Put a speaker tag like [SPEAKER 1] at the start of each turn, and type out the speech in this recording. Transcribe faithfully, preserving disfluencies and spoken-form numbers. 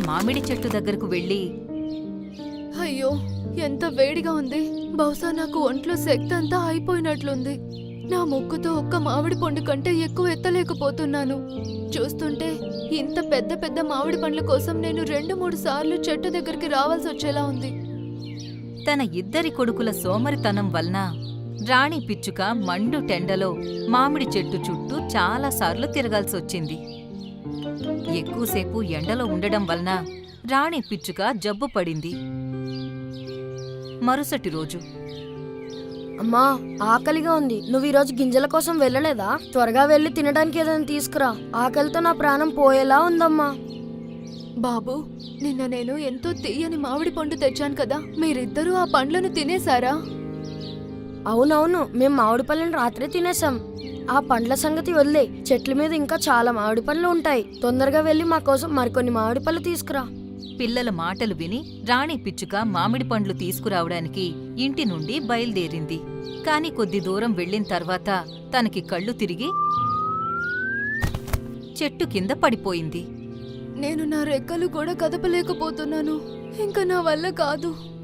[SPEAKER 1] మామిడి చెట్టు దగ్గరకు వెళ్లి,
[SPEAKER 2] అయ్యో, ఎంత వేడిగా ఉంది. బహుశా నాకు ఒంట్లో శక్తి అంతా అయిపోయినట్లుంది. నా ముక్కుతో ఒక్క మామిడి పండు కంటే ఎక్కువ ఎత్తలేకపోతున్నాను. చూస్తుంటే ఇంత పెద్ద పెద్ద మామిడి పండ్ల కోసం నేను రెండు మూడు సార్లు చెట్టు దగ్గరికి రావాల్సి వచ్చేలా ఉంది.
[SPEAKER 1] తన ఇద్దరి కొడుకుల సోమరితనం వలన రాణి పిచ్చుక మండు టెండలో మామిడి చెట్టు చుట్టూ చాలాసార్లు తిరగాల్సొచ్చింది. ఎక్కువసేపు ఎండలో ఉండడం వలన రాణి పిచ్చుక జబ్బు పడింది. మరుసటి రోజు,
[SPEAKER 3] అమ్మా, ఆకలిగా ఉంది. నువ్వు ఈరోజు గింజల కోసం వెళ్ళలేదా? త్వరగా వెళ్ళి తినడానికి ఏదైనా తీసుకురా. ఆకలితో నా ప్రాణం పోయేలా ఉందమ్మా.
[SPEAKER 2] బాబు, నిన్న నేను ఎంతో తీయని మామిడి పండు తెచ్చాను కదా, మీరిద్దరూ ఆ పండ్లను తినేశారా?
[SPEAKER 3] అవునవును, మేం మామిడి పళ్ళని రాత్రే తినేసాం. ఆ పండ్ల సంగతి వదిలే, చెట్ల మీద ఇంకా చాలా మామిడి పళ్ళు ఉంటాయి. తొందరగా వెళ్ళి మా కోసం మరికొన్ని మామిడి పళ్ళు తీసుకురా.
[SPEAKER 1] పిల్లల మాటలు విని రాణి పిచ్చుక మామిడి పండ్లు తీసుకురావడానికి ఇంటి నుండి బయలుదేరింది. కాని కొద్ది దూరం వెళ్ళిన తర్వాత తనకి కళ్ళు తిరిగి చెట్టు కింద పడిపోయింది.
[SPEAKER 2] నేను నా రెక్కలు కూడా కదపలేకపోతున్నాను. ఇంకా నా వల్ల కాదు.